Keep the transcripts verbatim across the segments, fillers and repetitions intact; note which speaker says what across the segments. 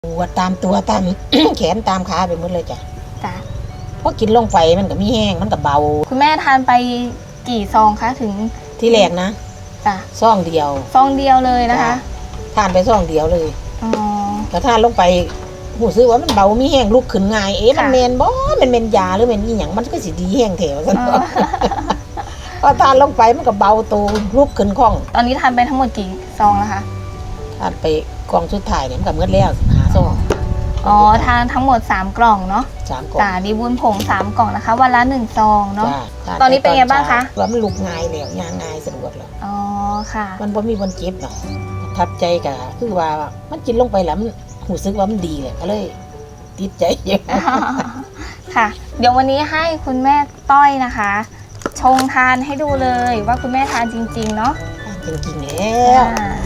Speaker 1: ปวดตามตัวตาม แขนตามขาไปหมดเลยจ้ะ
Speaker 2: จ้ะ
Speaker 1: พอกินลงไปมันก็มีแห้งมันก็เบา
Speaker 2: คุณแม่ทานไปกี่ซองคะถึง
Speaker 1: ที่แรกนะ
Speaker 2: จ้ะ
Speaker 1: ซองเดียว
Speaker 2: ซองเดียวเลยนะคะ
Speaker 1: ทานไปซองเดียวเลย
Speaker 2: อ๋อ
Speaker 1: แต่ทานลงไปหูซื้อว่ามันเบามีแห้งลุกขึ้นง่ายเอ๊ะมันเมนบ่มันเมนยาหรือเมนอีหยังมันก็สิดีแห้งแถวซั่นพอทานลงไปมันก็เบาตัวลุกขึ้นคล่อง
Speaker 2: ตอนนี้ทานไปทั้งหมดกี่ซองแล้วคะ
Speaker 1: ทานไปกล่องสุดท้ายเนี่ยมันก็หมดแล้วหาซอง
Speaker 2: อ๋อทานทั้งหมดสามกล่องเนาะ
Speaker 1: สามกล่อง
Speaker 2: จ้ะดีบุญผงสามกล่องนะคะวันละหนึ่งซองเนาะตอนนี้เป็นไงบ้างคะ
Speaker 1: ว่ามันลุกง่ายแล้วย่างง่ายสะดวกแล้ว
Speaker 2: อ๋อค่ะ
Speaker 1: มันบ่มีวันเจ็บหรอกทับใจก็คือว่ามันกินลงไปแล้วมันรู้สึกว่ามันดีเลยก็เลยติดใจเยอะ
Speaker 2: ค่ะเดี๋ยววันนี้ให้คุณแม่ต้อยนะคะชงทานให้ดูเลยว่าคุณแม่ทานจริงๆเนาะ
Speaker 1: จริงๆแล้ว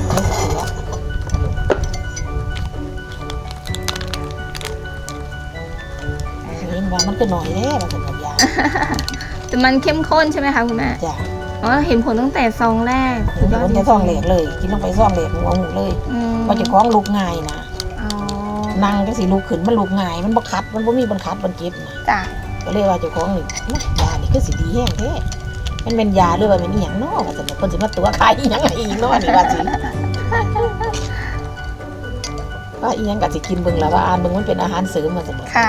Speaker 1: เห็นว่ามันก็หน่อยแล้วมันเป็นยา
Speaker 2: แต่มันเข้มข้นใช่ไหมคะคุณแม่
Speaker 1: จ้ะ
Speaker 2: อ๋อเห็นผลตั้งแต่ซองแรก
Speaker 1: เห็นผลแต่ซองแรกเลยกินลงไปซองแรกหัวหมูเลยพอจะคล้องลุกง่ายนะนั่งก็สิลุกขึ้นมันลุกง่ายมันบ่คัดมันบ่มีบังคับบังเก็บนะ
Speaker 2: จ้ะ
Speaker 1: ก็เลยว่าเจ้าของนี่ยานี่คือสิดีแห้งแท้มันเป็นยาหรือว่าเป็นอีหยังเนาะว่าซั่นคนสิมาตัวขายอีหยังอีกเนาะนี่ว่าสิว่าอีหยังก็สิกินเบิ่งล่ะว่าอ่านเบิ่งมันเป็นอาหารเสริมว่าซั่น
Speaker 2: ค่ะ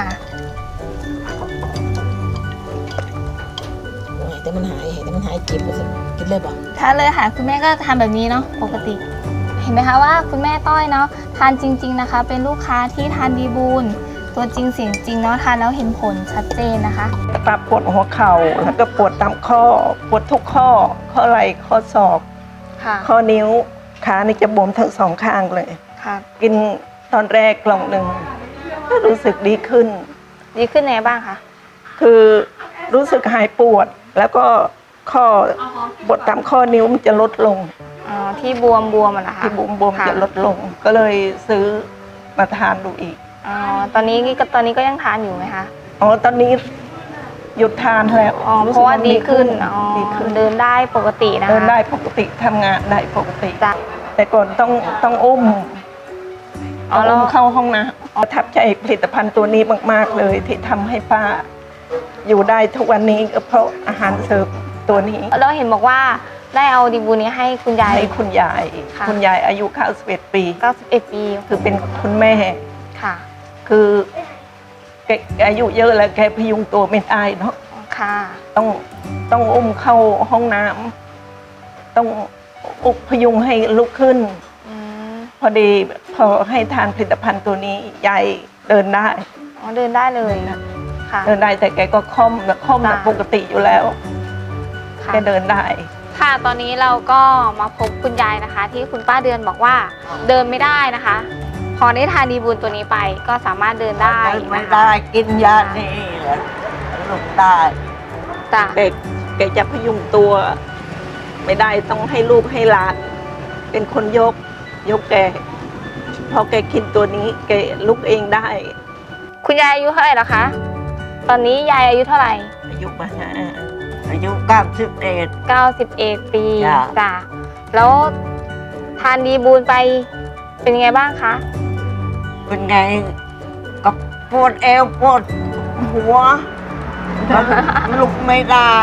Speaker 1: แต่มันหายแต่มันหายเจ็บว่าซั่นกินเลยบ่
Speaker 2: ทานเลยค่ะคุณแม่ก็ทำแบบนี้เนาะปกติเห็นไหมคะว่าคุณแม่ต้อยเนาะทานจริงๆนะคะเป็นลูกค้าที่ทานดีบูลตัวจริงเสียงจริงเนาะทานแล้วเห็นผลชัดเจนนะคะ
Speaker 3: ปวดปวดหัวเข่าแล้วก็ปวดตามข้อปวดทุกข้อข้อไหล่ข้อศอกข้อนิ้วขานี่จะบวมทั้งสองข้างเลย
Speaker 2: ค่ะ
Speaker 3: กินตอนแรกกล่องหนึ่งก็รู้สึกดีขึ้น
Speaker 2: ดีขึ้นไงบ้างคะ
Speaker 3: คือรู้สึกหายปวดแล้วก็ข้อปวดตามข้อนิ้วมันจะลดลง
Speaker 2: อ๋อที่บวมบวมอะนะคะ
Speaker 3: ที่บวมบวมจะลดลงก็เลยซื้อมาทานดูอีก
Speaker 2: อ๋อตอนนี้ก็ตอนนี้ก็ยังทานอยู่ไหมคะ
Speaker 3: อ๋อตอนนี้หยุดทานแล้ว
Speaker 2: อ๋อเพราะว่าดีขึ้นอ๋อดีขึ้นเดินได้ปกตินะคะ
Speaker 3: เดินได้ปกติทำงานได้ปกติแต่ก่อนต้องต้องอุ้มเอาอุ้มเข้าห้องนะประทับใจผลิตภัณฑ์ตัวนี้มากๆเลยที่ทำให้ป้าอยู่ได้ทุกวันนี้ก็เพราะอาหารเสริมตัวนี้
Speaker 2: แล้วเห็นบอกว่าได้เอาดีบูนี้ให้คุณยาย
Speaker 3: ให้คุณยายคุณยายอายุเก้าสิบเอ็ดปี
Speaker 2: เก้าสิบเอ็ดปี
Speaker 3: คือเป็นคุณแม่
Speaker 2: ค่ะ
Speaker 3: คือแกอายุเยอะแล้วแกพยุงตัวไม่ได้เนาะ
Speaker 2: ค่ะ
Speaker 3: ต้องต้องอุ้มเข้าห้องน้ำต้องอุกพยุงให้ลุกขึ้นพอดีพอให้ทานผลิตภัณฑ์ตัวนี้ยายเดินได้
Speaker 2: อ๋อเดินได้เลย
Speaker 3: นะค่ะเดินได้แต่แกก็ค่อมแบบค่อมแบบปกติอยู่แล้วแกเดินได้
Speaker 2: ค่ะตอนนี้เราก็มาพบคุณยายนะคะที่คุณป้าเดือนบอกว่าเดินไม่ได้นะคะพอได้ทานดีบูลตัวนี้ไปก็สามารถเดินได้
Speaker 3: ไม่ได้กินยานี่แหละลุกได้
Speaker 2: จ้ะ
Speaker 3: แกแกจะพยุงตัวไม่ได้ต้องให้ลูกให้หลานเป็นคนยกยกแกพอแกกินตัวนี้แกลุกเองได้
Speaker 2: คุณยายอายุเท่าไหร่แล้วคะตอนนี้ยายอายุเท่าไหร่
Speaker 3: อายุมาอายุเก้าสิบเอ็ด
Speaker 2: เก้าสิบเอ็ดปีจ้ะแล้วทานดีบูลไปเป็นไงบ้างคะ
Speaker 3: เป็นไงก็ปวดเอวปวดหัวลุกไม่ได้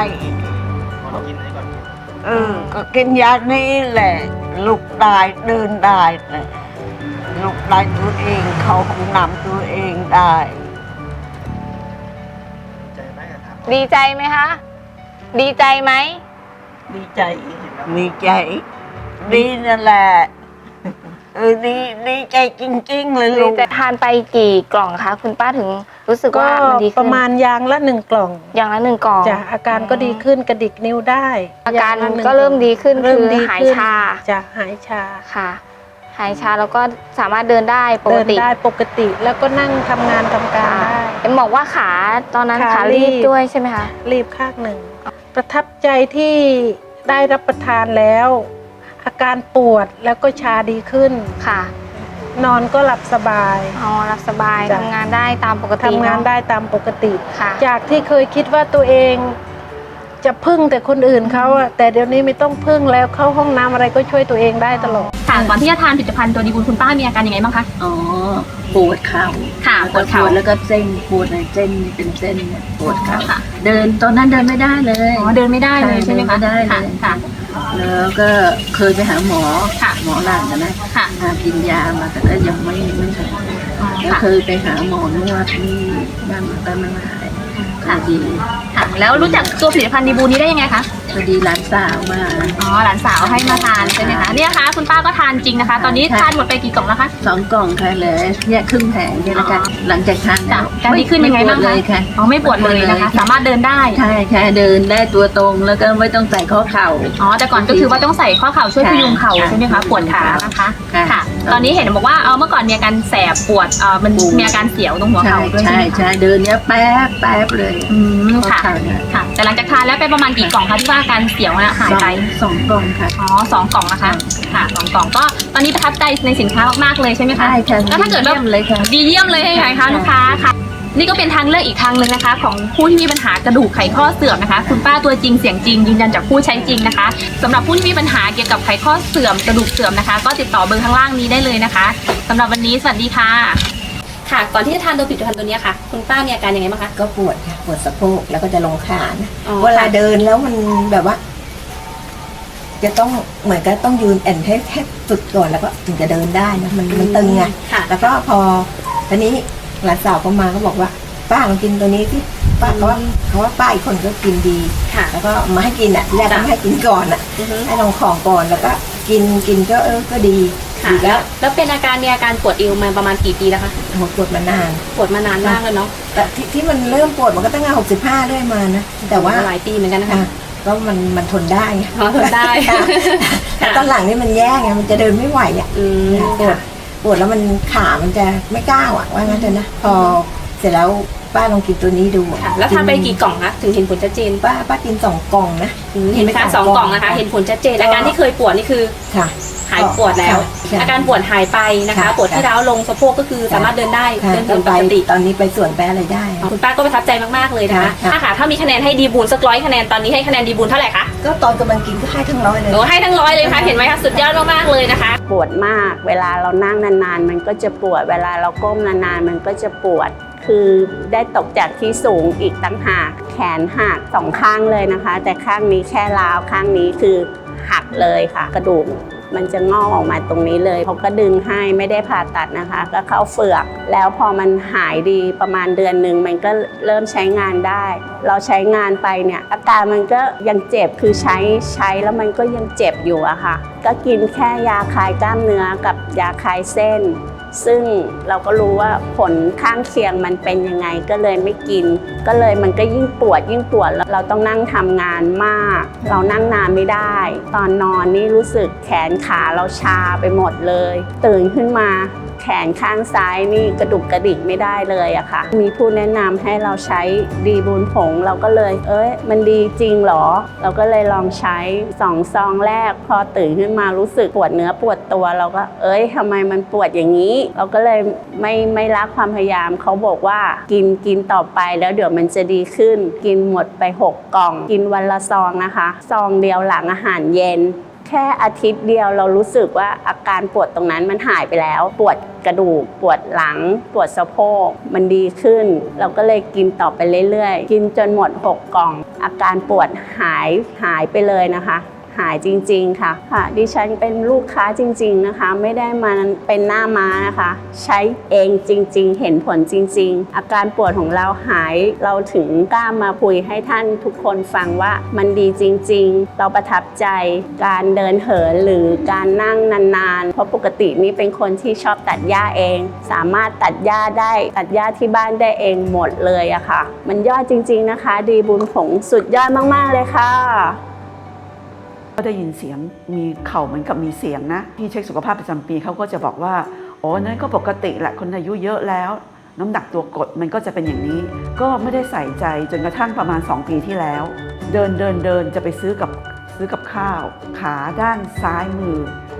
Speaker 3: เออก็กินยานี้แหละลุกได้เดินได้เลยลุกได้ตัวเองเขาห้องน้ำตัวเองได้
Speaker 2: ดีใจไหมคะดีใจไหม
Speaker 3: ดีใจดีใจดีนั่นแหละเออดีดีใจจริงๆเลยลูก
Speaker 2: ทานไปกี่กล่องคะคุณป้าถึงรู้สึกว่ามันดีขึ้น
Speaker 3: ประมาณยางละหนึ่งกล่อง
Speaker 2: อย่างละหนึ่งกล่อง
Speaker 3: จ้ะอาการก็ดีขึ้นกระดิกนิ้วได้
Speaker 2: อาการก็เริ่มดีขึ้นคือหายชา
Speaker 3: จ้ะหายชา
Speaker 2: ค่ะหายชาแล้วก็สามารถเดินได้ปกติ
Speaker 3: เดินได้ปกติแล้วก็นั่งทำงานทำการได้
Speaker 2: เอ็มบอกว่าขาตอนนั้นขารีบด้วยใช่ไหมคะ
Speaker 3: รีบข้างหนึ่งประทับใจที่ได้รับประทานแล้วอาการปวดแล้วก็ชาดีขึ้น
Speaker 2: ค่ะ
Speaker 3: นอนก็หลับสบาย
Speaker 2: อ๋อหลับสบายทำงานได้ตามปกติ
Speaker 3: ทำงานได้ตามปกติ
Speaker 2: ค่ะ
Speaker 3: จากที่เคยคิดว่าตัวเอง
Speaker 4: จะพึ่งแต่คนอื่นเขาอะแต่เดี๋ยวนี้ไม่ต้องพึ่งแล้วเข้าห้องน้ำอะไรก็ช่วยตัวเองได้ตลอด
Speaker 2: ค่ะก่อนที่จะทานผลิตภัณฑ์ตัวดีบุญคุณป้ามีอาการยังไงบ้างคะ
Speaker 5: อ๋อปวดเข่า
Speaker 2: ค่ะปวดเข่า
Speaker 5: แล้วก็เส้นปวดในเส้นเป็นเส้นเนี่ยปวดเข่า
Speaker 2: ค่ะ
Speaker 5: เดินตอนนั้นเดินไม่ได้เลย
Speaker 2: อ๋อเดินไม่ได้เลยใช่ไหมคะ
Speaker 5: เดินไม่ได้เลย
Speaker 2: ค่ะ
Speaker 5: แล้วก็เคยไปหาหมอ
Speaker 2: ค่ะ
Speaker 5: หมอหลังนะ
Speaker 2: ค่ะ
Speaker 5: หากินยามาแต่ก็ยังไม่ไม่หาย
Speaker 2: อ๋อ
Speaker 5: ก็
Speaker 2: ค่ะ
Speaker 5: เคยไปหาหมอนวดที่บ้านแต่มันไม่หาย
Speaker 2: ค่ะ
Speaker 5: พอดี
Speaker 2: ค่ะแล้วรู้จักตัวผลิตภัณฑ์ดีบูนนี้ได้ยังไงคะ
Speaker 5: พอดีหลานสาวมา
Speaker 2: อ๋อหลานสาวให้มาทานใช่ไหมคะเนี่ยนะคะคุณป้าก็ทานจริงนะคะ ตอนนี้
Speaker 5: ใช่
Speaker 2: ทานหมดไปกี่กล่องแล้วคะ
Speaker 5: สองกล่องค่ะเหลยเนี่ยครึ่งแผงเนี่ยนะคะ
Speaker 2: อ๋อ
Speaker 5: หลังจากทานแล้ว
Speaker 2: การดีขึ้นยังไงบ้าง
Speaker 5: ม่ปวด
Speaker 2: คะ
Speaker 5: เลยค่ะ
Speaker 2: อ๋อไม่ปวดเลยนะคะ สามารถเดินได้
Speaker 5: ใช่ใช่เดินได้ตัวตรงแล้วก็ไม่ต้องใส่ข้อเข่า
Speaker 2: อ๋อแต่ก่อนก็คือว่าต้องใส่ข้อเข่าช่วยพยุงเข่า
Speaker 5: ค่ะ
Speaker 2: ใช่ไหมคะปวดขานะคะ
Speaker 5: ค่ะ
Speaker 2: ค่ะ ตอนนี้เห็นบอกว่าเออเมื่อก่อนมีอาการแสบปวดเออมัน
Speaker 5: ปวด
Speaker 2: มีอาการเสียวตรงหัว
Speaker 5: ใช่
Speaker 2: เข่าด้วยใช่
Speaker 5: ใช่
Speaker 2: ไหมคะ
Speaker 5: ใช่เดินเนี้ยแป๊บแป๊บเลย
Speaker 2: อืม
Speaker 5: ข้อ
Speaker 2: ค่ะ
Speaker 5: เข่าเนี่ย
Speaker 2: ค่ะ แต่หลังจากทานแล้วไปประมาณกี่กล่องคะที่ว่าอาการเสียวน่ะหายไป
Speaker 5: สองกล่องค่ะ
Speaker 2: อ๋อสองกล่องนะคะ ค่ะสองกล่องก็ตอนนี้ประทับใจในสินค้ามากๆเลยใช่ไหมคะ
Speaker 5: ใช่ค่ะ
Speaker 2: แล้วถ้าเกิดว่า
Speaker 5: เยี่ยมเลยค่ะ
Speaker 2: ดีเยี่ยมเลยใช่ไหมคะลูกค้าค่ะ นี่ก็เป็นทางเลือกอีกทางหนึ่งนะคะ ของผู้ที่มีปัญหากระดูกไขข้อเสื่อมนะคะ คุณป้าตัวจริงเสียงจริงยืนยันจากผู้ใช้จริงนะคะสำหรับผู้ที่มีปัญหาเกี่ยวกับไขข้อเสื่อมกระดูกเสื่อมนะคะ ก็ติดต่อเบอร์ข้างล่างนี้ได้เลยนะคะสำหรับวันนี้สวัสดีค่ะ ค่ะก่อนที่จะทานตัวผลิตภัณฑ์ตัวนี้ค่ะ คุณป้ามีอาการยังไงบ้างคะ
Speaker 3: ก็ปวดค่ะปวดสะโพกแล้วก็จะลงขานะ
Speaker 2: อ๋อ
Speaker 3: เวลาเดินแล้วมันแบบว่า จะต้องเหมือนกับต้องยืนแอนให้แทบสุดก่อนแล้วก็ถึงจะเดินได้นะมันมันตึงไง
Speaker 2: ค่ะ
Speaker 3: แล้วก็พอตอนนี้หลานสาวก็มาก็บอกว่า ป้าลองกินตัวนี้ที่ป้าเขาว่าเขาว่าป้าอีกคนก็กินดี
Speaker 2: ค่ะ
Speaker 3: แล้วก็มาให้กินอ่ะแรกก็
Speaker 2: จ้ะ
Speaker 3: ไม่ให้กินก่อนอ่ะ
Speaker 2: อือฮึ
Speaker 3: ให้ลองของก่อนแล้วก็กินกินก็เออก็ดี
Speaker 2: ค่ะ
Speaker 3: ดี
Speaker 2: แล้
Speaker 3: แล้ว ว
Speaker 2: แล้วเป็นอาการมีอาการปวดเอวมาประมาณกี่ปีแล้วคะ
Speaker 3: หัวปวดมานาน
Speaker 2: ปวดมานานมากแล้วเนาะ
Speaker 3: แต่ที่ที่มันเริ่มปวดมันก็ตั้งแต่หกสิบห้าเรื่อยมานะแต่ว่า
Speaker 2: หลายปีเหมือนกันนะคะ
Speaker 3: ค่ะก็มันมันทนได้ไง
Speaker 2: อ๋อทนได้
Speaker 3: ค่ะแต่ตอนหลังนี่มันแย่ไงมันจะเดินไม่ไหวอ่ะ
Speaker 2: อืม
Speaker 3: ปวดปวดแล้วมันขามันจะไม่ก้าวอ่ะว่างั้นเถอะนะพอเสร็จแล้วป้าลองกินตัวนี้ดูอะ
Speaker 2: ค่ะ แล้วทานไปกี่กล่องคะถึงเห็นผลชัดเจน
Speaker 3: ป้าป้ากินสองกล่องนะ
Speaker 2: เห็นไหมคะสองกล่องนะคะ เห็นผลชัดเจนอาการที่เคยปวดนี่คือ
Speaker 3: ค่ะ
Speaker 2: หายปวดแล้ว
Speaker 3: ค่ะ
Speaker 2: อาการปวดหายไปนะคะ
Speaker 3: ค่ะ
Speaker 2: ปวดที่ร้าวลงสะโพกก็คือสามารถเดินได้
Speaker 3: ค่ะ
Speaker 2: เดิน
Speaker 3: ก็
Speaker 2: เดิน
Speaker 3: ไป
Speaker 2: ปกติ
Speaker 3: ตอนนี้ไปสวนไปอะไรได้
Speaker 2: คุณป้าก็ประทับใจมากๆเลยนะคะ
Speaker 3: ค่ะ
Speaker 2: ถ้าค่ะถ้ามีคะแนนให้ดีบูนสักร้อยคะแนนตอนนี้ให้คะแนนดีบูนเท่าไหร่คะ
Speaker 3: ก็ตอนกำลังกินก็ให้ทั้งร้อยเลย
Speaker 2: โอ้ให้ทั้งร้อยเลยค่ะเห็นไหมคะสุดยอดมากๆเลยนะคะ
Speaker 4: ปวดมาก เวลาเรานั่งนานๆ มันก็จะปวด เวลาเราก้มนานๆ มันก็จะปวด คือได้ตกจากที่สูงอีกตั้งหาก แขนหักสองข้างเลยนะคะ แต่ข้างนี้แค่ร้าว ข้างนี้คือหักเลยค่ะ กระดูกมันจะงอกออกมาตรงนี้เลยเขาก็ดึงให้ไม่ได้ผ่าตัดนะคะ ก็เข้าเฟือก แล้วพอมันหายดีประมาณเดือนหนึ่งมันก็เริ่มใช้งานได้ เราใช้งานไปเนี่ยอาการมันก็ยังเจ็บคือใช้ใช้แล้วมันก็ยังเจ็บอยู่อะค่ะ ก็กินแค่ยาคลายกล้ามเนื้อกับยาคลายเส้น ซึ่งเราก็รู้ว่าผลข้างเคียงมันเป็นยังไงก็เลยไม่กิน ก็เลยมันก็ยิ่งปวดยิ่งปวดแล้วเราต้องนั่งทำงานมาก เรานั่งนานไม่ได้ ตอนนอนนี่รู้สึกแขนขาเราชาไปหมดเลย ตื่นขึ้นมาแขนข้างซ้ายนี่กระดุกกระดิกไม่ได้เลยอะค่ะ มีผู้แนะนำให้เราใช้ดีบูนผงเราก็เลย เอ้ยมันดีจริงเหรอ เราก็เลยลองใช้สองซองแรก พอตื่นขึ้นมารู้สึกปวดเนื้อปวดตัว เราก็เอ้ยทำไมมันปวดอย่างนี้ เราก็เลยไม่ไม่ละความพยายามเขาบอกว่ากินกินต่อไปแล้วเดี๋ยวมันจะดีขึ้น กินหมดไปหกกล่อง กินวันละซองนะคะซองเดียวหลังอาหารเย็น แค่อาทิตย์เดียวเรารู้สึกว่าอาการปวดตรงนั้นมันหายไปแล้ว ปวดกระดูกปวดหลัง ปวดสะโพกมันดีขึ้น เราก็เลยกินต่อไปเรื่อยๆ กินจนหมดหกกล่อง อาการปวดหายหายไปเลยนะคะ หายจริงๆค่ะค่ะดิฉันเป็นลูกค้าจริงๆนะคะไม่ได้มาเป็นหน้าม้านะคะ ใช้เองจริงๆเห็นผลจริงๆอาการปวดของเราหายเราถึงกล้ามาคุยให้ท่านทุกคนฟังว่ามันดีจริงๆเราประทับใจการเดินเหินหรือการนั่งนานๆเพราะปกตินี่เป็นคนที่ชอบตัดหญ้าเอง สามารถตัดหญ้าได้ตัดหญ้าที่บ้านได้เองหมดเลยอะค่ะมันยอดจริงๆนะคะดีบุญผงสุดยอดมากๆเลยค่ะ
Speaker 6: ก็ได้ยินเสียงมีเข่าเหมือนกับมีเสียงนะที่เช็คสุขภาพประจำปีเขาก็จะบอกว่าอ๋อนั่นก็ปกติแหละคนอายุเยอะแล้วน้ำหนักตัวกดมันก็จะเป็นอย่างนี้ก็ไม่ได้ใส่ใจจนกระทั่งประมาณสองปีที่แล้ว เดินเดินเดินจะไปซื้อกับซื้อกับข้าวขาด้านซ้ายมือ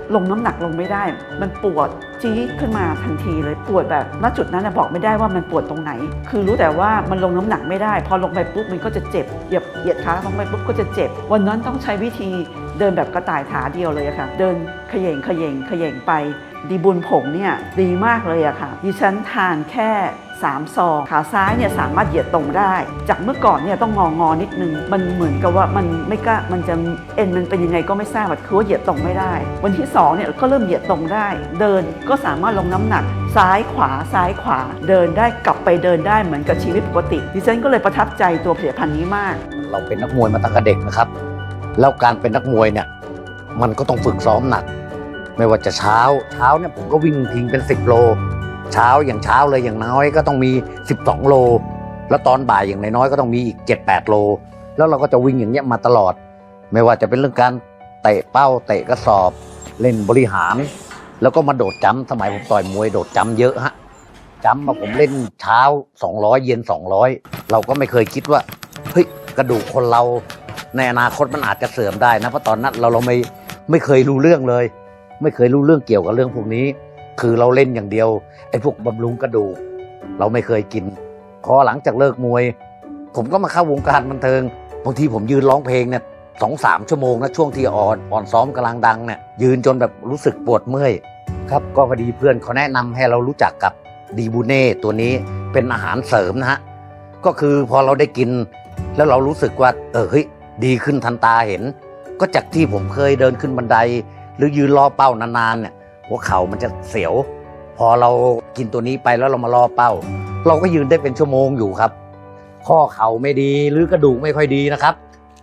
Speaker 6: ลงน้ำหนักลงไม่ได้ มันปวดจี๊ดขึ้นมาทันทีเลยปวดแบบณจุดนั้นบอกไม่ได้ว่ามันปวดตรงไหนคือรู้แต่ว่ามันลงน้ำหนักไม่ได้พอลงไปปุ๊บมันก็จะเจ็บเหยียบเหยียดขาลงไปปุ๊บก็จะเจ็บวันนั้นต้องใช้วิธีเดินแบบกระต่ายขาเดียวเลยอะค่ะเดินเขย่งเขย่งเขย่งไปดีบุญผงเนี่ยดีมากเลยอะค่ะดิฉันทานแค่สามซองขาซ้ายเนี่ยสามารถเหยียดตรงได้จากเมื่อก่อนเนี่ยต้องงองอนิดนึงมันเหมือนกับว่ามันไม่กล้ามันจะเอ็นมันเป็นยังไงก็ไม่ทราบคือว่าเหยียดตรงไม่ได้วันที่สองเนี่ยก็เริ่มเหยียดตรงได้เดินก็สามารถลงน้ำหนักซ้ายขวาซ้ายขวาเดินได้กลับไปเดินได้เหมือนกับชีวิตปกติดิฉันก็เลยประทับใจตัวผลิตภัณฑ์นี้มาก
Speaker 7: เราเป็นนักมวยมาตั้งแต่เด็กนะครับแล้วการเป็นนักมวยเนี่ยมันก็ต้องฝึกซ้อมหนักไม่ว่าจะเช้าเช้าเนี่ยผมก็วิ่งทิ้งเป็นสิบโลเช้าอย่างเช้าเลยอย่างน้อยก็ต้องมีสิบสองโลแล้วตอนบ่ายอย่างน้อยๆก็ต้องมีอีก เจ็ดแปด โลแล้วเราก็จะวิ่งอย่างเงี้ยมาตลอดไม่ว่าจะเป็นเรื่องการเตะเป้าเตะกระสอบเล่นบริหารแล้วก็มาโดดจัมป์สมัยผมต่อยมวยโดดจัมป์เยอะฮะจัมป์มาผมเล่นเช้าสองร้อยเย็นสองร้อยเราก็ไม่เคยคิดว่าเฮ้ยกระดูกคนเราในอนาคตมันอาจจะเสื่อมได้นะเพราะตอนนั้นเราเราไม่ไม่เคยรู้เรื่องเลยไม่เคยรู้เรื่องเกี่ยวกับเรื่องพวกนี้คือเราเล่นอย่างเดียวไอ้พวกบำรุงกระดูกเราไม่เคยกินพอหลังจากเลิกมวยผมก็มาเข้าวงการบันเทิงบางทีผมยืนร้องเพลงเนี่ยสองสามชั่วโมงนะช่วงที่อ่อนอ่อนซ้อมกำลังดังเนี่ยยืนจนแบบรู้สึกปวดเมื่อยครับก็พอดีเพื่อนเขาแนะนำให้เรารู้จักกับดีบูเน่ตัวนี้เป็นอาหารเสริมนะฮะก็คือพอเราได้กินแล้วเรารู้สึกว่าเออเฮ้ยดีขึ้นทันตาเห็นก็จากที่ผมเคยเดินขึ้นบันไดหรือยืนรอเป้านานๆเนี่ยหัวเข่ามันจะเสียวพอเรากินตัวนี้ไปแล้วเรามารอเป้าเราก็ยืนได้เป็นชั่วโมงอยู่ครับข้อเข่าไม่ดีหรือกระดูกไม่ค่อยดีนะครับ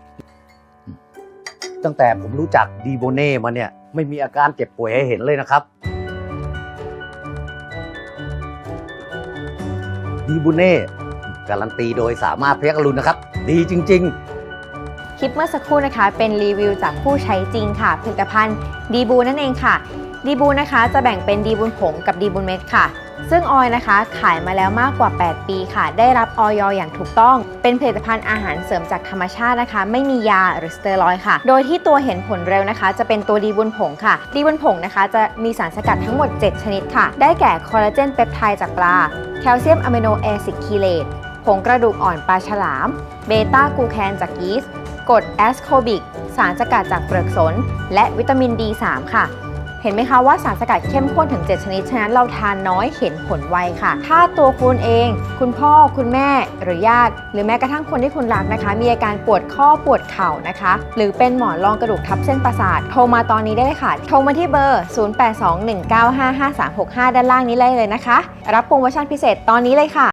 Speaker 7: ตั้งแต่ผมรู้จักดีโบเน่มาเนี่ยไม่มีอาการเจ็บป่วยให้เห็นเลยนะครับดีโบเน่การันตีโดยสามารถพยัคฆ์อรุณนะครับดีจริงๆ
Speaker 8: คลิปเมื่อสักครู่นะคะเป็นรีวิวจากผู้ใช้จริงค่ะผลิตภัณฑ์ดีบูนั่นเองค่ะดีบูนะคะจะแบ่งเป็นดีบูนผงกับดีบูนเม็ดค่ะซึ่งออยนะคะขายมาแล้วมากกว่าแปดปีค่ะได้รับอย.อย่างถูกต้องเป็นผลิตภัณฑ์อาหารเสริมจากธรรมชาตินะคะไม่มียาหรือสเตียรอยด์ค่ะโดยที่ตัวเห็นผลเร็วนะคะจะเป็นตัวดีบูนผงค่ะดีบูนผงนะคะจะมีสารสกัดทั้งหมดเจ็ดชนิดค่ะได้แก่คอลลาเจนเปปไทด์จากปลาแคลเซียมอะมิโนแอซิดคีเลตผงกระดูกอ่อนปลาฉลามเบต้ากลูแคนจากยีสต์กรดแอสโคบิกสารสกัดจากเปลือกสนและวิตามิน ดี สาม ค่ะเห็นไหมคะว่าสารสกัดเข้มข้นถึงเจ็ดชนิดฉะนั้นเราทานน้อยเห็นผลไวค่ะถ้าตัวคุณเองคุณพ่อคุณแม่หรือญาติหรือแม้กระทั่งคนที่คุณรักนะคะมีอาการปวดข้อปวดเข่านะคะหรือเป็นหมอนรองกระดูกทับเส้นประสาทโทรมาตอนนี้ได้เลยค่ะโทรมาที่เบอร์ศูนย์ แปด สอง หนึ่ง เก้า ห้า ห้า สาม หก ห้าด้านล่างนี้เลยเลยนะคะรับโปรโมชั่นพิเศษตอนนี้เลยค่ะ